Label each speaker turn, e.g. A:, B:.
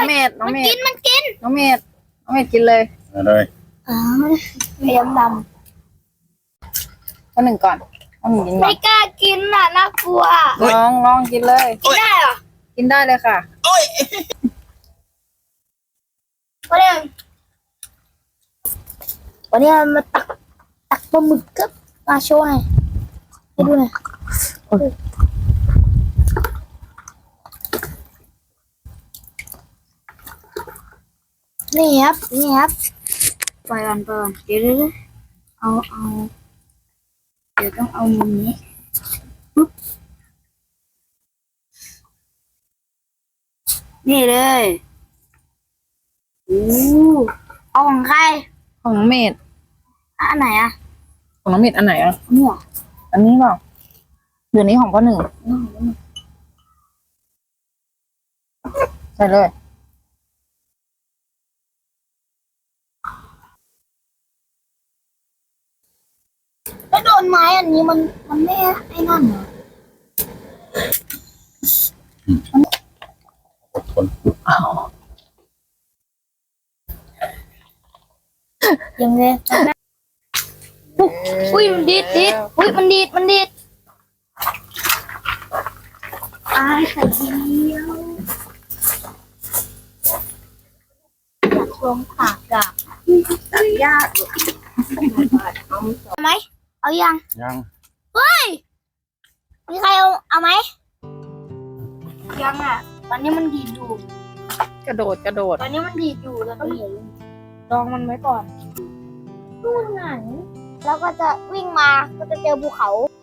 A: เมดน้องเมด
B: มันกิน
A: น้องเมดกินเลย
C: เอาเลย
B: เลี้ยงด
A: ข้อหนึ่งก่อนข้อหนึ่งกิน
B: ำ
A: ก่อ
B: ไม่
A: น
B: กล้ากินน่ะน่ากลัว
A: ลองกินเลย
B: กินได้เหรอ
A: กินได้เลยค่ะ
C: โอ้ย
B: วันนี้มาตักปลาหมึกกับมาโชว์ให้ดูหน่อยนี่ครับปล่อยก่อนเดี๋ยวเอาเดี๋ยวต้องเอามุมนี้ปุ๊บนี่เลยเอาของใคร
A: ของน้องเมด
B: อันไหนอะ
A: ของน้องเมดอันไหนอ่ะ
B: เนี่ย
A: อันนี้เปล่าเดี๋ยวนี้ของข้อหนึ่งใส่เลย
B: แล้วโดนไม้อันนี้มันไม่ไอ้นั่นเหรอ
C: อดทน
B: ยังไงอุ้ยมันดีดอุ้ยมันดีดไอ้ไข่เดียวอยากลองผักอะตัดยากเอาไหมเอายัง
C: ยัง
B: เฮ้ยมีใครเอาไหมยังอ่ะตอนนี้มันดีดอยู่
A: กระโดด
B: ตอนนี้มันดีดอยู่แล้วก็ลองมันไว้ก่อนดูหนังแล้วก็จะวิ่งมาก็จะเจอภูเขา